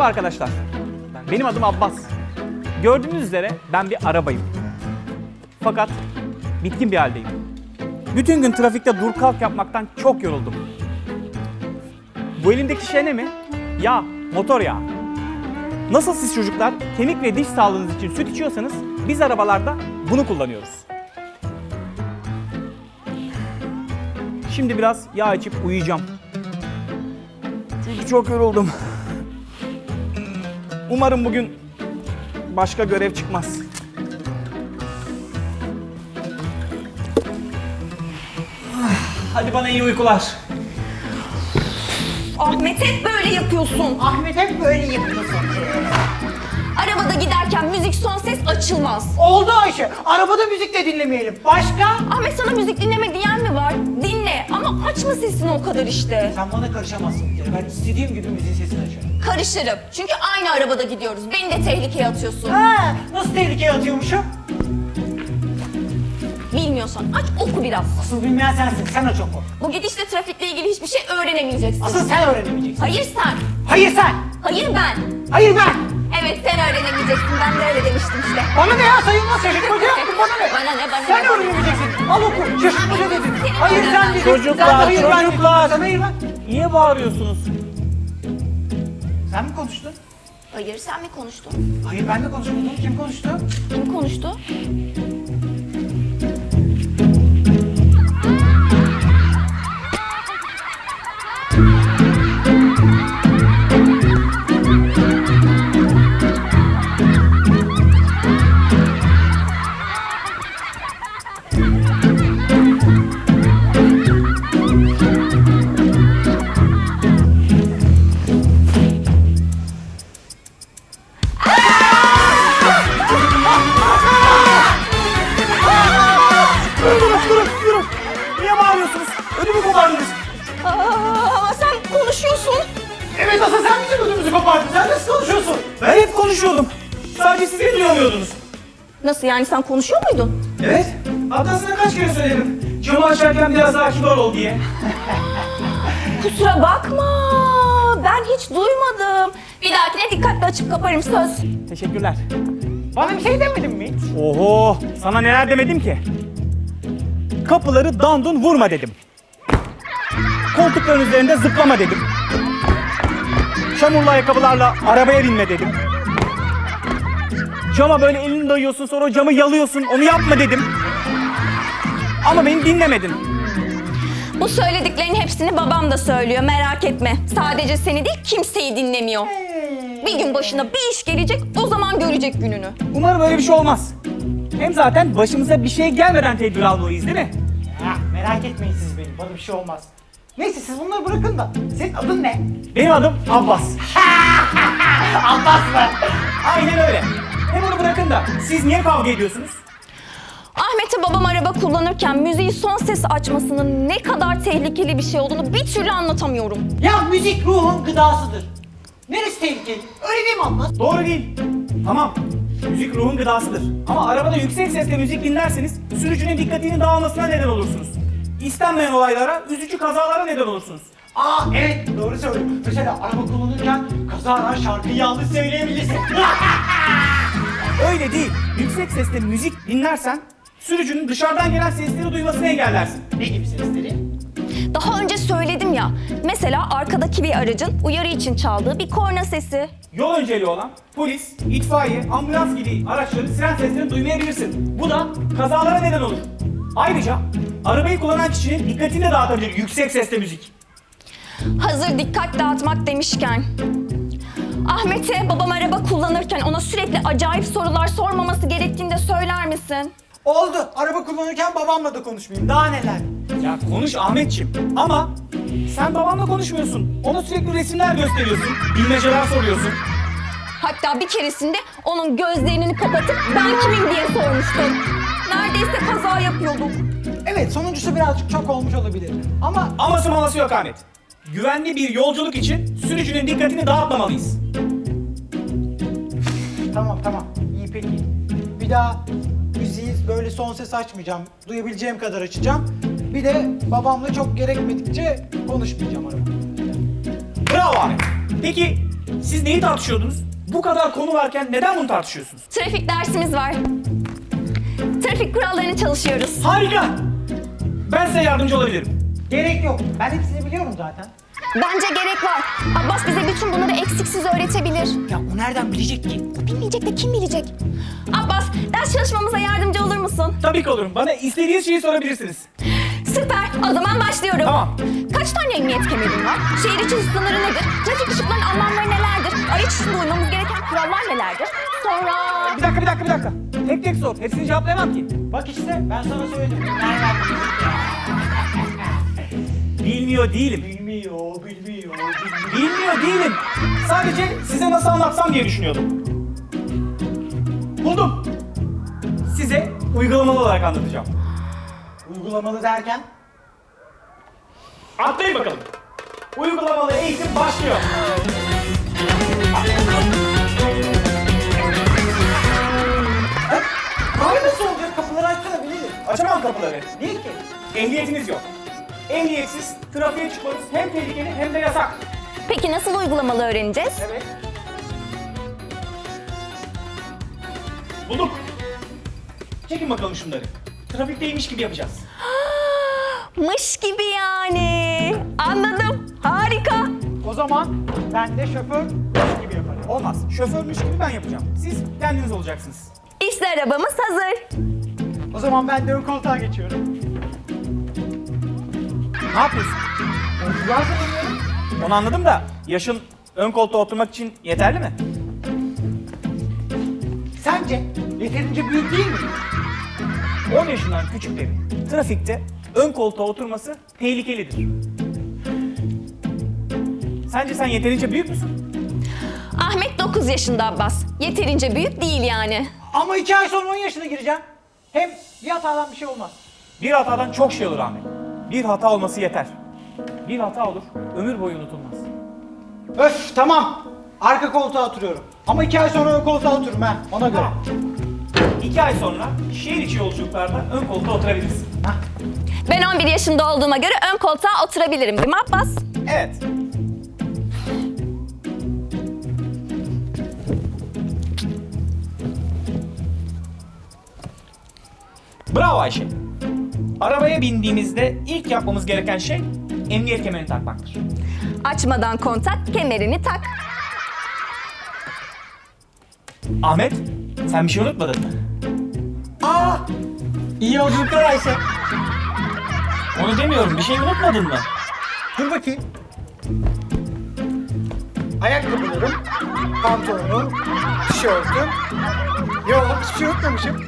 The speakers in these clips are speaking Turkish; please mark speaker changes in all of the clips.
Speaker 1: Merhaba arkadaşlar. Benim adım Abbas. Gördüğünüz üzere ben bir arabayım. Fakat bitkin bir haldeyim. Bütün gün trafikte dur kalk yapmaktan çok yoruldum. Bu elimdeki şey ne mi? Yağ, motor yağı. Nasıl siz çocuklar kemik ve diş sağlığınız için süt içiyorsanız biz arabalarda bunu kullanıyoruz. Şimdi biraz yağ içip uyuyacağım. Çünkü çok yoruldum. Umarım bugün başka görev çıkmaz. Hadi bana iyi uykular.
Speaker 2: Ahmet hep böyle yapıyorsun.
Speaker 3: Ahmet hep böyle yapıyorsun.
Speaker 2: Arabada giderken müzik son ses açılmaz.
Speaker 3: Oldu Ayşe. Arabada müzik de dinlemeyelim. Başka?
Speaker 2: Ahmet sana müzik dinleme diyen mi var? Dinle ama açma sesini o kadar işte.
Speaker 3: Sen bana karışamazsın bir kere. Ben istediğim gibi müziğin sesini açarım.
Speaker 2: Karışırım. Çünkü aynı arabada gidiyoruz. Beni de tehlikeye atıyorsun.
Speaker 3: Ha, nasıl tehlikeye atıyormuşum?
Speaker 2: Bilmiyorsan aç oku biraz.
Speaker 3: Asıl bilmeyen sensin. Sen aç oku.
Speaker 2: Bu gidişle trafikle ilgili hiçbir şey öğrenemeyeceksin.
Speaker 3: Asıl sen öğrenemeyeceksin.
Speaker 2: Hayır sen.
Speaker 3: Hayır sen.
Speaker 2: Hayır ben.
Speaker 3: Hayır ben.
Speaker 2: Evet sen öğrenemeyeceksin. Ben de öyle demiştim işte.
Speaker 3: Bana ne ya? Sayılmaz şaşırtmaca yaptın. Bana ne?
Speaker 2: Bana ne, bana ne,
Speaker 3: Sen
Speaker 2: bana ne?
Speaker 3: öğrenemeyeceksin. Al oku. Şaşırtmaca dedin.
Speaker 2: Senin
Speaker 3: Hayır sen
Speaker 2: öğrenmen.
Speaker 3: dedin.
Speaker 1: Çocuklar,
Speaker 3: Sen de hayır ben dedin.
Speaker 1: çocuklar.
Speaker 3: Sen hayır ben.
Speaker 1: Niye bağırıyorsunuz?
Speaker 3: Sen mi konuştun?
Speaker 2: Hayır sen mi konuştun?
Speaker 3: Hayır ben de konuşmadım. Kim konuştu?
Speaker 2: Kim konuştu?
Speaker 1: Durun. Niye bağırıyorsunuz? Ödümü kopardınız.
Speaker 2: Ama sen konuşuyorsun.
Speaker 3: Evet asıl sen bizim ödümüzü kopardın. Sen nasıl konuşuyorsun?
Speaker 1: Ben hep konuşuyordum. Sadece siz beni duyamıyordunuz.
Speaker 2: Nasıl yani sen konuşuyor muydun?
Speaker 1: Evet. Hatta sana kaç kere söyledim. Camı açarken biraz daha kibar ol diye.
Speaker 2: Kusura bakma. Ben hiç duymadım. Bir dahakine dikkatli açıp kaparım söz.
Speaker 1: Teşekkürler.
Speaker 3: Bana bir şey demedin mi hiç?
Speaker 1: Oho, sana neler demedim ki? Kapıları dandun vurma dedim. Koltukların üzerinde zıplama dedim. Çamurlu ayakkabılarla arabaya binme dedim. Cama böyle elini dayıyorsun sonra o camı yalıyorsun, onu yapma dedim. Ama beni dinlemedin.
Speaker 2: Bu söylediklerin hepsini babam da söylüyor merak etme. Sadece seni değil kimseyi dinlemiyor. Bir gün başına bir iş gelecek o zaman görecek gününü.
Speaker 1: Umarım öyle bir şey olmaz. Hem zaten başımıza bir şey gelmeden tedbir almalıyız değil mi?
Speaker 3: Ha, merak etmeyin siz benim. Bana bir şey olmaz. Neyse siz bunları bırakın da. Senin adın ne?
Speaker 1: Benim adım Abbas.
Speaker 3: Abbas mı?
Speaker 1: Aynen öyle. Hem onu bırakın da siz niye kavga ediyorsunuz?
Speaker 2: Ahmet'e babam araba kullanırken müziği son ses açmasının ne kadar tehlikeli bir şey olduğunu bir türlü anlatamıyorum.
Speaker 3: Ya müzik ruhun gıdasıdır. Neresi tehlikeli? Öyle değil mi Abbas?
Speaker 1: Doğru değil. Tamam. Müzik ruhun gıdasıdır. Ama arabada yüksek sesle müzik dinlerseniz sürücünün dikkatinin dağılmasına neden olursunuz. İstenmeyen olaylara, üzücü kazalara neden olursunuz.
Speaker 3: Aa evet doğru söylüyorsun. Mesela araba kullanırken kazara şarkıyı yanlış söyleyebilirsin.
Speaker 1: Öyle değil. Yüksek sesle müzik dinlersen sürücünün dışarıdan gelen sesleri duymasını engellersin.
Speaker 3: Ne gibi sesleri?
Speaker 2: Daha önce söyledim ya. Mesela arkadaki bir aracın uyarı için çaldığı bir korna sesi.
Speaker 1: Yol önceliği olan polis, itfaiye, ambulans gibi araçların siren seslerini duymayabilirsin. Bu da kazalara neden olur. Ayrıca arabayı kullanan kişinin dikkatini de dağıtabilir yüksek sesle müzik.
Speaker 2: Hazır dikkat dağıtmak demişken. Ahmet'e babam araba kullanırken ona sürekli acayip sorular sormaması gerektiğini de söyler misin?
Speaker 3: Oldu. Araba kullanırken babamla da konuşmayayım. Daha neler?
Speaker 1: Ya konuş Ahmetciğim ama sen babamla konuşmuyorsun. Ona sürekli resimler gösteriyorsun, bilmeceler soruyorsun.
Speaker 2: Hatta bir keresinde onun gözlerini kapatıp ben kimim diye sormuştum. Neredeyse kaza yapıyorduk.
Speaker 3: Evet sonuncusu birazcık çok olmuş olabilir. Ama
Speaker 1: Aması maması yok Ahmet. Güvenli bir yolculuk için sürücünün dikkatini dağıtmamalıyız.
Speaker 3: tamam iyi peki. Bir daha müziği böyle son ses açmayacağım. Duyabileceğim kadar açacağım. Bir de babamla çok gerekmedikçe konuşmayacağım arabada.
Speaker 1: Bravo Ahmet. Peki Siz neyi tartışıyordunuz? Bu kadar konu varken neden bunu tartışıyorsunuz?
Speaker 2: Trafik dersimiz var. Trafik kurallarını çalışıyoruz.
Speaker 1: Harika! Ben size yardımcı olabilirim.
Speaker 3: Gerek yok. Ben hepsini biliyorum zaten.
Speaker 2: Bence gerek var. Abbas bize bütün bunları eksiksiz öğretebilir.
Speaker 3: Ya o nereden bilecek ki?
Speaker 2: Bilmeyecek de kim bilecek? Abbas, ders çalışmamıza yardımcı olur musun?
Speaker 1: Tabii ki olurum. Bana istediğiniz şeyi sorabilirsiniz.
Speaker 2: Süper. O zaman başlıyorum.
Speaker 1: Tamam.
Speaker 2: Kaç tane emniyet kemerin var? Şehir içi hız sınırı nedir? Trafik ışıklarının anlamları nelerdir? Araç içinde uymamız gereken kurallar nelerdir? Sonra...
Speaker 1: Bir dakika. Tek tek sor. Hepsini cevaplayamam ki.
Speaker 3: Bak işte ben sana söyledim. Nereden bilecek ya?
Speaker 1: Bilmiyor değilim.
Speaker 3: Bilmiyor.
Speaker 1: Bilmiyor değilim. Sadece size nasıl anlatsam diye düşünüyordum. Buldum. Size uygulamalı olarak anlatacağım.
Speaker 3: Uygulamalı derken?
Speaker 1: Atlayın bakalım. Uygulamalı eğitim başlıyor.
Speaker 3: Abi nasıl olacak? Kapıları açsana bilelim.
Speaker 1: Açamam kapıları.
Speaker 3: Niye ki?
Speaker 1: Ehliyetiniz yok. Ehliyetsiz trafiğe çıkmanız hem tehlikeli hem de yasak.
Speaker 2: Peki nasıl uygulamalı öğreneceğiz?
Speaker 1: Evet. Bulduk. Çekin bakalım şunları. Trafikteymiş gibi yapacağız.
Speaker 2: Mış gibi yani. Anladım. Harika.
Speaker 3: O zaman ben de şoför gibi yaparım.
Speaker 1: Olmaz. Şoförmüş gibi ben yapacağım. Siz kendiniz olacaksınız.
Speaker 2: İşte arabamız hazır.
Speaker 3: O zaman ben de ön koltuğa geçiyorum.
Speaker 1: Ne yapıyorsun?
Speaker 3: Yolculuğa hazırlanıyorum.
Speaker 1: Onu anladım da yaşın ön koltuğa oturmak için yeterli mi?
Speaker 3: Sence yeterince büyük değil mi?
Speaker 1: 10 yaşından küçüklerin trafikte ön koltuğa oturması tehlikelidir. Sence sen yeterince büyük müsün?
Speaker 2: Ahmet 9 yaşında Abbas. Yeterince büyük değil yani.
Speaker 3: Ama 2 ay sonra 10 yaşına gireceğim. Hem bir hatadan bir şey olmaz.
Speaker 1: Bir hatadan çok şey olur Ahmet. Bir hata olması yeter. Bir hata olur, ömür boyu unutulmaz.
Speaker 3: Öf tamam. Arka koltuğa oturuyorum. Ama 2 ay sonra ön koltuğa otururum ha. Ona göre.
Speaker 1: 2 ay sonra şehir içi yolculuklarda ön koltuğa oturabilirsin.
Speaker 3: Hah.
Speaker 2: Ben 11 yaşında olduğuma göre ön koltuğa oturabilirim değil mi Abbas?
Speaker 1: Evet. Bravo Ayşe. Arabaya bindiğimizde ilk yapmamız gereken şey emniyet kemerini takmaktır.
Speaker 2: Açmadan kontak, kemerini tak.
Speaker 1: Ahmet, sen bir şey unutmadın mı?
Speaker 3: Aa! İyi yolculuklar Ayşe.
Speaker 1: Onu demiyorum, bir şey unutmadın mı?
Speaker 3: Dur bakayım. Ayakkabılarım, pantolonum, tişörtüm. Yok hiçbir şey unutmamışım.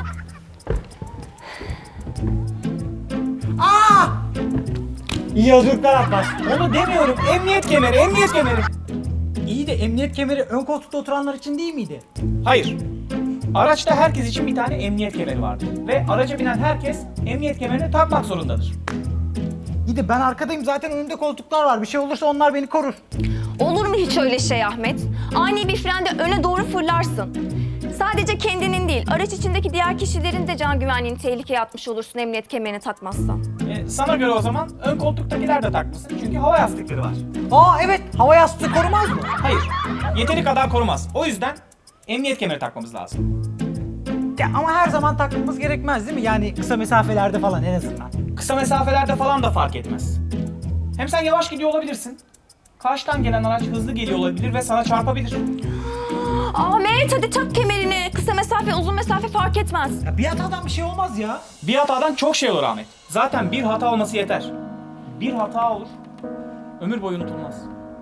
Speaker 3: Aa! İyi yolculuklar Abbas.
Speaker 1: Onu demiyorum, emniyet kemeri, emniyet kemeri.
Speaker 3: İyi de emniyet kemeri ön koltukta oturanlar için değil miydi?
Speaker 1: Hayır. Araçta herkes için bir tane emniyet kemeri vardır. Ve araca binen herkes emniyet kemerini takmak zorundadır.
Speaker 3: İyi de ben arkadayım zaten önümde koltuklar var. Bir şey olursa onlar beni korur.
Speaker 2: Olur mu hiç öyle şey Ahmet? Ani bir frende öne doğru fırlarsın. Sadece kendinin değil, araç içindeki diğer kişilerin de can güvenliğini tehlikeye atmış olursun emniyet kemerini takmazsan.
Speaker 1: Sana göre o zaman ön koltuktakiler de takmasın. Çünkü hava yastıkları var.
Speaker 3: Aa evet hava yastığı korumaz mı?
Speaker 1: Hayır. Yeteri kadar korumaz. O yüzden emniyet kemeri takmamız lazım.
Speaker 3: Ya ama her zaman takmamız gerekmez değil mi? Yani kısa mesafelerde falan en azından.
Speaker 1: Kısa mesafelerde falan da fark etmez. Hem sen yavaş gidiyor olabilirsin. Karşıdan gelen araç hızlı geliyor olabilir ve sana çarpabilir.
Speaker 2: Ahmet hadi tak kemerini. Kısa mesafe, uzun mesafe fark etmez.
Speaker 3: Ya bir hatadan bir şey olmaz ya.
Speaker 1: Bir hatadan çok şey olur Ahmet. Zaten bir hata olması yeter. Bir hata olur, ömür boyu unutulmaz.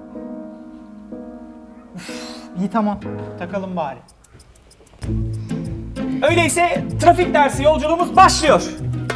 Speaker 3: İyi tamam. Takalım bari.
Speaker 1: Öyleyse trafik dersi yolculuğumuz başlıyor.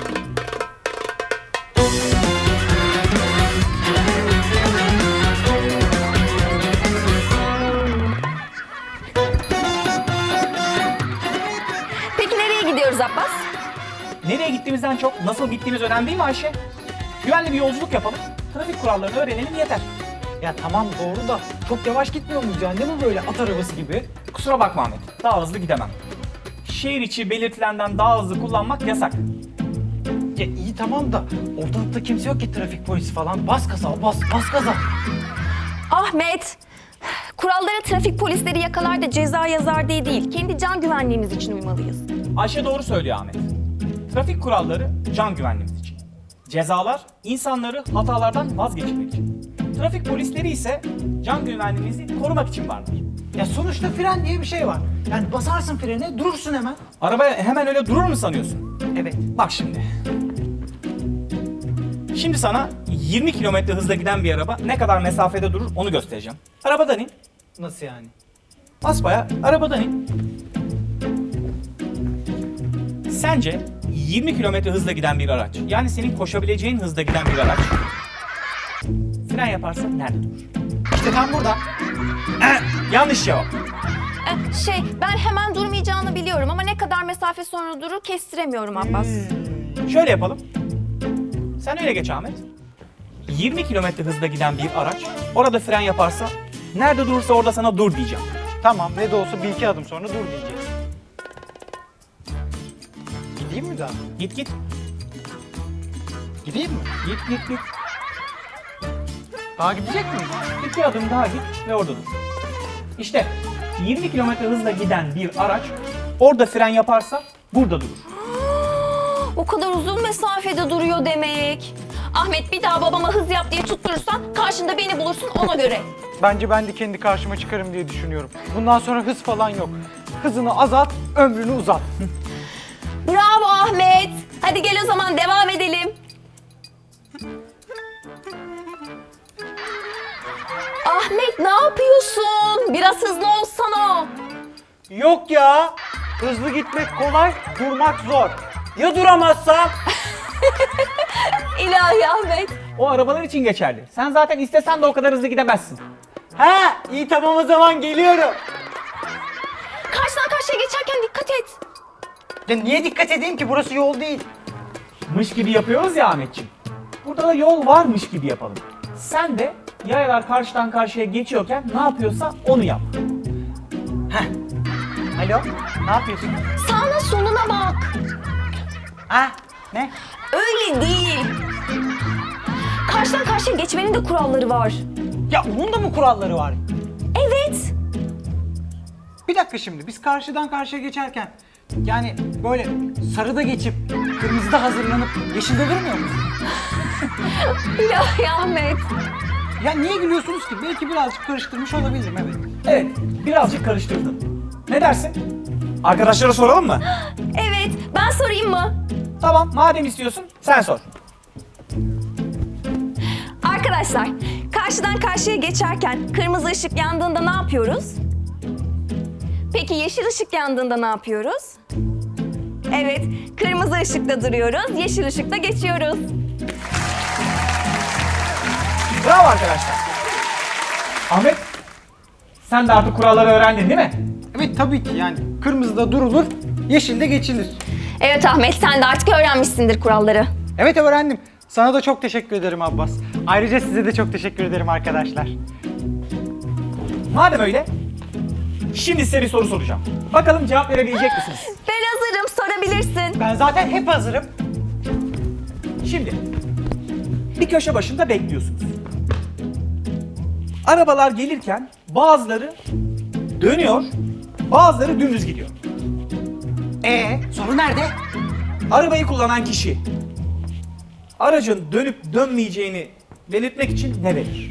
Speaker 2: Peki nereye gidiyoruz Abbas?
Speaker 1: Nereye gittiğimizden çok nasıl gittiğimiz önemli değil mi Ayşe? Güvenli bir yolculuk yapalım, trafik kurallarını öğrenelim yeter.
Speaker 3: Ya tamam doğru da çok yavaş gitmiyor muyuz ya? Ne bu böyle at arabası gibi?
Speaker 1: Kusura bakma Ahmet, daha hızlı gidemem. Şehir içi belirtilenden daha hızlı kullanmak yasak.
Speaker 3: Ya iyi tamam da ortalıkta kimse yok ki trafik polisi falan. Bas gaza bas gaza.
Speaker 2: Ahmet, Kurallara trafik polisleri yakalar da ceza yazar diye değil, kendi can güvenliğimiz için uymalıyız.
Speaker 1: Ayşe doğru söylüyor Ahmet. Trafik kuralları can güvenliğimiz için. Cezalar insanları hatalardan vazgeçirmek için. Trafik polisleri ise can güvenliğimizi korumak için vardır.
Speaker 3: Ya sonuçta fren diye bir şey var. Yani basarsın frene, durursun hemen.
Speaker 1: Araba hemen öyle durur mu sanıyorsun?
Speaker 3: Evet.
Speaker 1: Bak şimdi. Şimdi sana 20 kilometre hızla giden bir araba ne kadar mesafede durur onu göstereceğim. Arabadan in.
Speaker 3: Nasıl yani?
Speaker 1: Basbaya arabadan in. Sence 20 kilometre hızla giden bir araç, yani senin koşabileceğin hızda giden bir araç fren yaparsa nerede durur?
Speaker 3: İşte tam burada.
Speaker 1: Yanlış cevap.
Speaker 2: Ben hemen durmayacağını biliyorum ama ne kadar mesafe sonra durur kestiremiyorum Abbas.
Speaker 1: Şöyle yapalım. Sen öyle geç Ahmet. 20 kilometre hızla giden bir araç orada fren yaparsa nerede durursa orada sana dur diyeceğim.
Speaker 3: Tamam, ne de olsa bir iki adım sonra dur diyecek. Gideyim mi daha?
Speaker 1: Git git.
Speaker 3: Gideyim mi?
Speaker 1: Git git.
Speaker 3: Daha gidecek miyim?
Speaker 1: İki adım daha git ve orada dur. İşte 20 kilometre hızla giden bir araç orada fren yaparsa burada durur.
Speaker 2: O kadar uzun mesafede duruyor demek. Ahmet bir daha babama hız yap diye tutturursan karşında beni bulursun ona göre.
Speaker 3: Bence ben de kendi karşıma çıkarım diye düşünüyorum. Bundan sonra hız falan yok. Hızını azalt, ömrünü uzat.
Speaker 2: Bravo Ahmet. Hadi gel o zaman devam edelim. Ahmet ne yapıyorsun? Biraz hızlı olsana.
Speaker 3: Yok ya. Hızlı gitmek kolay, durmak zor. Ya duramazsam?
Speaker 2: İlahi Ahmet.
Speaker 1: O arabalar için geçerli. Sen zaten istesen de o kadar hızlı gidemezsin.
Speaker 3: Ha, iyi tamam o zaman geliyorum.
Speaker 2: Karşıdan karşıya geçerken dikkat et.
Speaker 3: Ya niye dikkat edeyim ki? Burası yol değil.
Speaker 1: Mış gibi yapıyoruz ya Ahmetciğim. Burada da yol varmış gibi yapalım. Sen de yayalar karşıdan karşıya geçiyorken ne yapıyorsa onu yap.
Speaker 3: Alo, ne yapıyorsun?
Speaker 2: Sağına soluna bak.
Speaker 3: Ha, ne?
Speaker 2: Öyle değil. Karşıdan karşıya geçmenin de kuralları var.
Speaker 3: Ya onun da mı kuralları var?
Speaker 2: Evet.
Speaker 3: Bir dakika şimdi, biz karşıdan karşıya geçerken yani böyle sarıda geçip kırmızıda hazırlanıp yeşilde durmuyor muyuz?
Speaker 2: İlahi Ahmet.
Speaker 3: Ya niye gülüyorsunuz ki? Belki birazcık karıştırmış olabilirim, evet.
Speaker 1: Evet, birazcık karıştırdın. Ne dersin? Arkadaşlara soralım mı?
Speaker 2: Evet, ben sorayım mı?
Speaker 1: Tamam, madem istiyorsun sen sor.
Speaker 2: Arkadaşlar, karşıdan karşıya geçerken kırmızı ışık yandığında ne yapıyoruz? Peki yeşil ışık yandığında ne yapıyoruz? Evet, kırmızı ışıkta duruyoruz, yeşil ışıkta geçiyoruz.
Speaker 1: Bravo arkadaşlar. Ahmet, sen de artık kuralları öğrendin değil mi?
Speaker 3: Evet tabii ki, yani kırmızıda durulur, yeşilde geçilir.
Speaker 2: Evet Ahmet, sen de artık öğrenmişsindir kuralları.
Speaker 3: Evet öğrendim. Sana da çok teşekkür ederim Abbas. Ayrıca size de çok teşekkür ederim arkadaşlar.
Speaker 1: Madem öyle, şimdi size bir soru soracağım. Bakalım cevap verebilecek misiniz?
Speaker 2: Ben hazırım, sorabilirsin.
Speaker 3: Ben zaten hep hazırım.
Speaker 1: Şimdi, bir köşe başında bekliyorsunuz. Arabalar gelirken bazıları dönüyor, bazıları dümdüz gidiyor.
Speaker 3: Soru nerede?
Speaker 1: Arabayı kullanan kişi aracın dönüp dönmeyeceğini belirtmek için ne verir?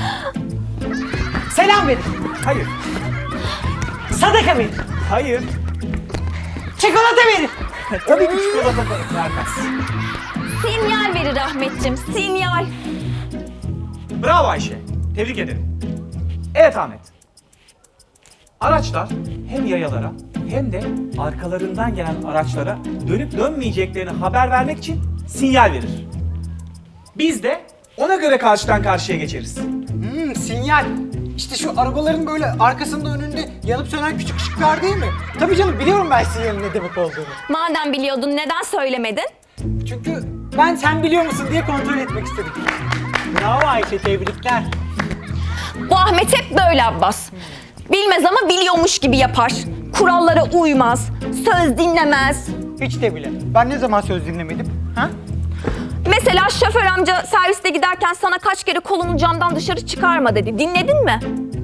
Speaker 3: Selam verin.
Speaker 1: Hayır,
Speaker 3: Sadaka verin.
Speaker 1: hayır.
Speaker 3: Çikolata verin.
Speaker 1: Tabii ki çikolata vermez.
Speaker 2: Sinyal verir Ahmetciğim, sinyal.
Speaker 1: Bravo Ayşe, tebrik ederim. Evet Ahmet. Araçlar hem yayalara hem de arkalarından gelen araçlara dönüp dönmeyeceklerini haber vermek için sinyal verir. Biz de ona göre karşıdan karşıya geçeriz.
Speaker 3: Sinyal. İşte şu arabaların böyle arkasında önünde yanıp sönen küçük ışıklar değil mi? Tabii canım, biliyorum ben sinyalin ne demek olduğunu.
Speaker 2: Madem biliyordun neden söylemedin?
Speaker 3: Çünkü ben sen biliyor musun diye kontrol etmek istedim. Bravo Ayşe, tebrikler.
Speaker 2: Bu Ahmet hep böyle Abbas. Bilmez ama biliyormuş gibi yapar. Kurallara uymaz, söz dinlemez.
Speaker 3: Hiç de bile. Ben ne zaman söz dinlemedim? Ha?
Speaker 2: Mesela şoför amca serviste giderken sana kaç kere kolunu camdan dışarı çıkarma dedi. Dinledin mi?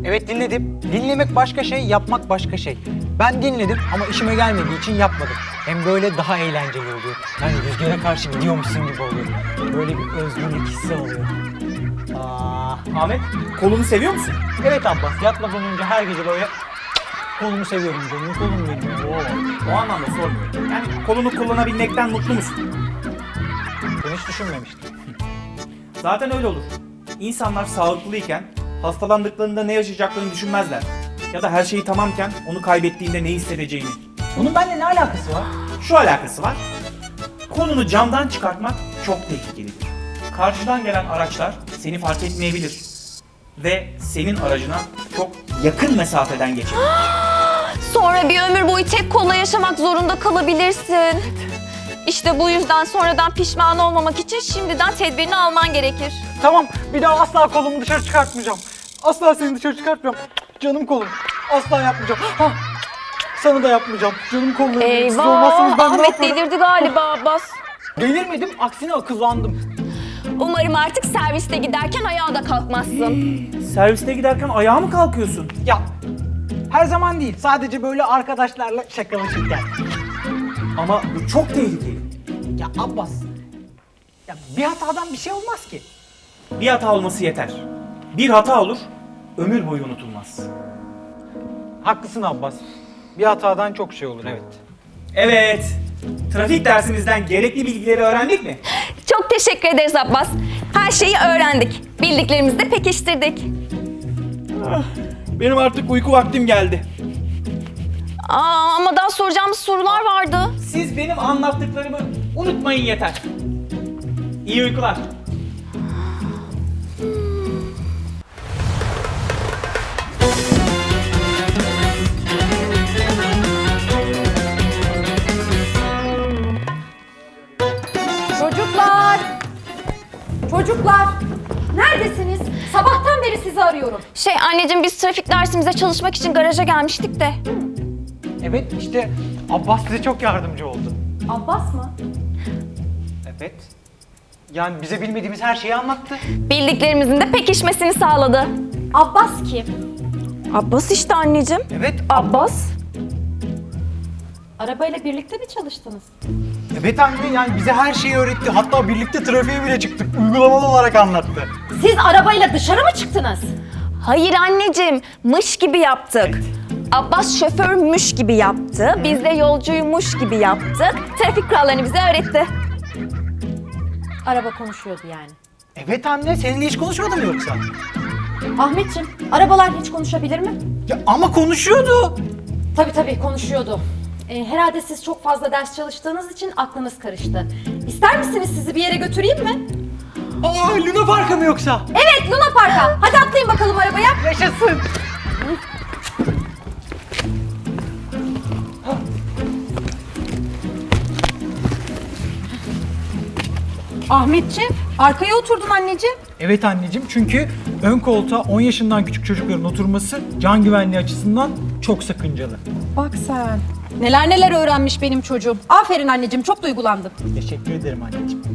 Speaker 3: Evet dinledim. Dinlemek başka şey, yapmak başka şey. Ben dinledim ama işime gelmediği için yapmadım. Hem böyle daha eğlenceli oluyor. Yani rüzgara karşı gidiyormuşsun gibi oluyor. Böyle bir özgürlük hissi oluyor.
Speaker 1: Ahmet, kolunu seviyor musun?
Speaker 3: Evet Abbas, yatmadan önce her gece böyle kolumu seviyorum canım, kolum benim.
Speaker 1: O anlamda sormuyorum. Yani kolunu kullanabilmekten mutlu musun?
Speaker 3: Ben hiç düşünmemiştim.
Speaker 1: Zaten öyle olur. İnsanlar sağlıklıyken hastalandıklarında ne yaşayacaklarını düşünmezler. Ya da her şeyi tamamken onu kaybettiğinde ne hissedeceğini.
Speaker 3: Bunun benimle ne alakası var?
Speaker 1: Şu alakası var. Kolunu camdan çıkartmak çok tehlikelidir. Karşıdan gelen araçlar seni fark etmeyebilir. Ve senin aracına çok yakın mesafeden geçebilir.
Speaker 2: Sonra bir ömür boyu tek kolla yaşamak zorunda kalabilirsin. İşte bu yüzden sonradan pişman olmamak için şimdiden tedbirini alman gerekir.
Speaker 3: Tamam, bir daha asla kolumu dışarı çıkartmayacağım. Asla seni dışarı çıkartmayacağım. Canım kolum. Asla yapmayacağım. Hah, sana da yapmayacağım. Canım kolum. Siz olmazsanız
Speaker 2: Eyvah!
Speaker 3: ben ne
Speaker 2: Ahmet
Speaker 3: yaparım?
Speaker 2: delirdi galiba Abbas.
Speaker 3: Delirmedim, aksine akıllandım.
Speaker 2: Umarım artık serviste giderken ayağa da kalkmazsın.
Speaker 1: Serviste giderken ayağa mı kalkıyorsun?
Speaker 3: Ya, her zaman değil. Sadece böyle arkadaşlarla şakalaşırken.
Speaker 1: Ama bu çok tehlikeli.
Speaker 3: Ya Abbas, ya bir hatadan bir şey olmaz ki.
Speaker 1: Bir hata olması yeter. Bir hata olur, ömür boyu unutulmaz.
Speaker 3: Haklısın Abbas. Bir hatadan çok şey olur, evet.
Speaker 1: Evet, trafik dersimizden gerekli bilgileri öğrendik mi?
Speaker 2: Çok teşekkür ederiz Abbas. Her şeyi öğrendik. Bildiklerimizi de pekiştirdik.
Speaker 1: Benim artık uyku vaktim geldi.
Speaker 2: Ama daha soracağımız sorular vardı.
Speaker 1: Siz benim anlattıklarımı unutmayın yeter. İyi uykular.
Speaker 4: Çocuklar! Çocuklar! Neredesiniz? Sabahtan beri sizi arıyorum.
Speaker 2: Anneciğim biz trafik dersimize çalışmak için garaja gelmiştik de.
Speaker 3: Evet, işte Abbas bize çok yardımcı oldu.
Speaker 4: Abbas mı?
Speaker 3: Evet. Yani bize bilmediğimiz her şeyi anlattı.
Speaker 2: Bildiklerimizin de pekişmesini sağladı.
Speaker 4: Abbas kim?
Speaker 2: Abbas işte anneciğim.
Speaker 3: Evet,
Speaker 2: Abbas.
Speaker 4: Arabayla birlikte mi çalıştınız?
Speaker 3: evet anne, yani bize her şeyi öğretti. Hatta birlikte trafiğe bile çıktık. Uygulamalı olarak anlattı.
Speaker 4: Siz arabayla dışarı mı çıktınız?
Speaker 2: Hayır anneciğim, mış gibi yaptık. Abbas şoförmüş gibi yaptı, biz de yolcuymuş gibi yaptık. Trafik kurallarını bize öğretti.
Speaker 4: Araba konuşuyordu yani.
Speaker 3: Evet anne, seninle hiç konuşmadı mı yoksa?
Speaker 4: Ahmetciğim, arabalar hiç konuşabilir mi?
Speaker 3: Ya ama konuşuyordu.
Speaker 4: Tabii konuşuyordu. Herhalde siz çok fazla ders çalıştığınız için aklınız karıştı. İster misiniz sizi bir yere götüreyim mi?
Speaker 3: Aa, Luna Park'a mı yoksa?
Speaker 4: Evet, Luna Park'a. Hadi atlayın bakalım arabaya.
Speaker 3: Yaşasın.
Speaker 4: Ahmetciğim, arkaya oturdun anneciğim.
Speaker 3: Evet anneciğim, çünkü ön koltuğa 10 yaşından küçük çocukların oturması can güvenliği açısından çok sakıncalı.
Speaker 4: Bak sen. Neler öğrenmiş benim çocuğum. Aferin anneciğim, çok duygulandım.
Speaker 3: Teşekkür ederim anneciğim.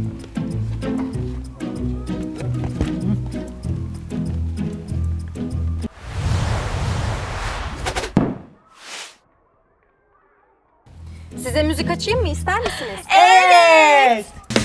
Speaker 4: Size müzik açayım mı, ister misiniz?
Speaker 3: Evet.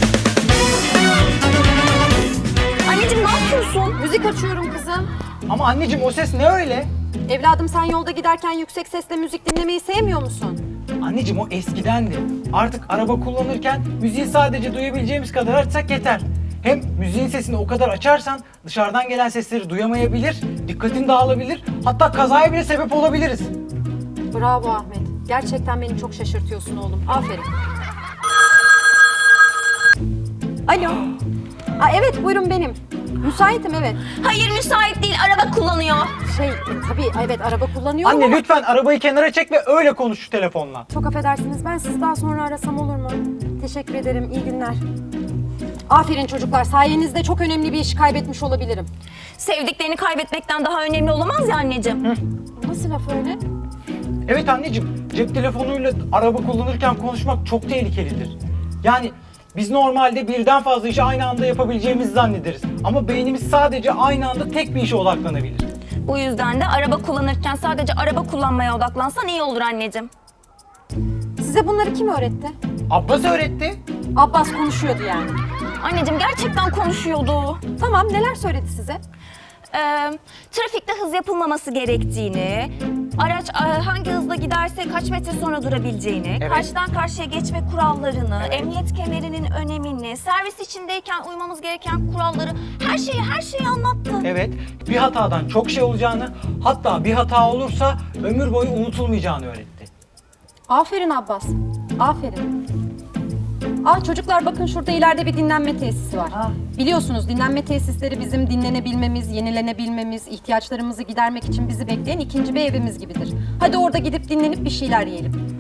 Speaker 2: Anneciğim ne yapıyorsun?
Speaker 4: Müzik açıyorum kızım.
Speaker 3: Ama anneciğim, o ses ne öyle?
Speaker 4: Evladım sen yolda giderken yüksek sesle müzik dinlemeyi sevmiyor musun?
Speaker 3: Anneciğim, o eskidendi. Artık araba kullanırken müziği sadece duyabileceğimiz kadar açsak yeter. Hem müziğin sesini o kadar açarsan dışarıdan gelen sesleri duyamayabilir, dikkatin dağılabilir, hatta kazaya bile sebep olabiliriz.
Speaker 4: Bravo Ahmet. Gerçekten beni çok şaşırtıyorsun oğlum. Aferin. Alo. Evet buyurun benim. Müsaitim evet.
Speaker 2: Hayır müsait değil, araba kullanıyor.
Speaker 4: Tabii evet araba kullanıyorum
Speaker 3: Anne
Speaker 4: ama...
Speaker 3: lütfen arabayı kenara çek ve öyle konuş şu telefonla.
Speaker 4: Çok affedersiniz ben sizi daha sonra arasam olur mu? Teşekkür ederim. İyi günler. Aferin çocuklar. Sayenizde çok önemli bir işi kaybetmiş olabilirim.
Speaker 2: Sevdiklerini kaybetmekten daha önemli olamaz ya anneciğim.
Speaker 4: Nasıl laf öyle?
Speaker 3: Evet anneciğim, cep telefonuyla araba kullanırken konuşmak çok tehlikelidir. Yani biz normalde birden fazla işi aynı anda yapabileceğimizi zannederiz. Ama beynimiz sadece aynı anda tek bir işe odaklanabilir.
Speaker 2: Bu yüzden de araba kullanırken sadece araba kullanmaya odaklansan iyi olur anneciğim.
Speaker 4: Size bunları kim öğretti?
Speaker 3: Abbas öğretti.
Speaker 4: Abbas konuşuyordu yani.
Speaker 2: Anneciğim gerçekten konuşuyordu.
Speaker 4: Tamam, neler söyledi size?
Speaker 2: Trafikte hız yapılmaması gerektiğini, araç hangi hızla giderse kaç metre sonra durabileceğini,
Speaker 3: Evet.
Speaker 2: karşıdan karşıya geçme kurallarını, emniyet kemerinin önemini, servis içindeyken uymamız gereken kuralları, her şeyi anlattı.
Speaker 3: Evet, bir hatadan çok şey olacağını, hatta bir hata olursa ömür boyu unutulmayacağını öğretti.
Speaker 4: Aferin Abbas, aferin. Çocuklar bakın şurada ileride bir dinlenme tesisi var.
Speaker 3: Ha.
Speaker 4: Biliyorsunuz dinlenme tesisleri bizim dinlenebilmemiz, yenilenebilmemiz, ihtiyaçlarımızı gidermek için bizi bekleyen ikinci bir evimiz gibidir. Hadi orada gidip dinlenip bir şeyler yiyelim.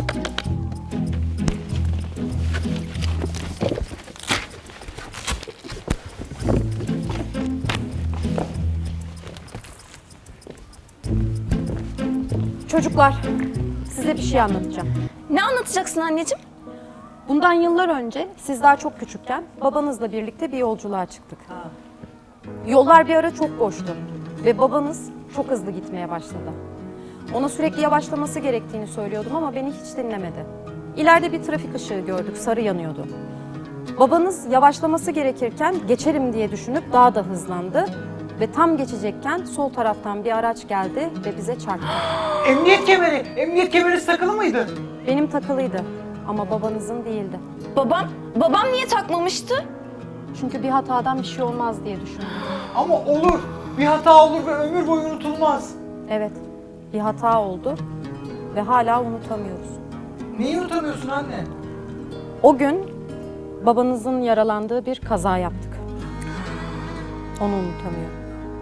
Speaker 4: Çocuklar, size bir şey anlatacağım.
Speaker 2: Ne anlatacaksın anneciğim?
Speaker 4: Bundan yıllar önce siz daha çok küçükken babanızla birlikte bir yolculuğa çıktık. Yollar bir ara çok boştu ve babanız çok hızlı gitmeye başladı. Ona sürekli yavaşlaması gerektiğini söylüyordum ama beni hiç dinlemedi. İleride bir trafik ışığı gördük, sarı yanıyordu. Babanız yavaşlaması gerekirken geçerim diye düşünüp daha da hızlandı ve tam geçecekken sol taraftan bir araç geldi ve bize çarptı.
Speaker 3: Emniyet kemeri takılı mıydı?
Speaker 4: Benim takılıydı ama babanızın değildi.
Speaker 2: Babam niye takmamıştı?
Speaker 4: Çünkü bir hatadan bir şey olmaz diye düşündüm.
Speaker 3: Ama olur, bir hata olur ve ömür boyu unutulmaz.
Speaker 4: Evet, bir hata oldu ve hala unutamıyoruz.
Speaker 3: Neyi unutamıyorsun anne?
Speaker 4: O gün babanızın yaralandığı bir kaza yaptık. Onu unutamıyorum.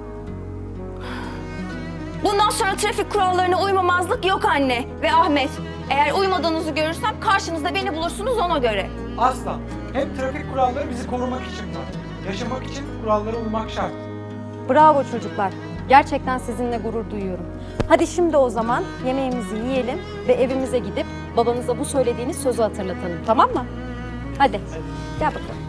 Speaker 2: Bundan sonra trafik kurallarına uymamazlık yok anne ve Ahmet. Eğer uymadığınızı görürsem karşınızda beni bulursunuz ona göre.
Speaker 3: Asla. Hem trafik kuralları bizi korumak için var. Yaşamak için kurallara uymak şart.
Speaker 4: Bravo çocuklar. Gerçekten sizinle gurur duyuyorum. Hadi şimdi o zaman yemeğimizi yiyelim ve evimize gidip babanıza bu söylediğiniz sözü hatırlatalım. Tamam mı? Hadi. Gel bakalım.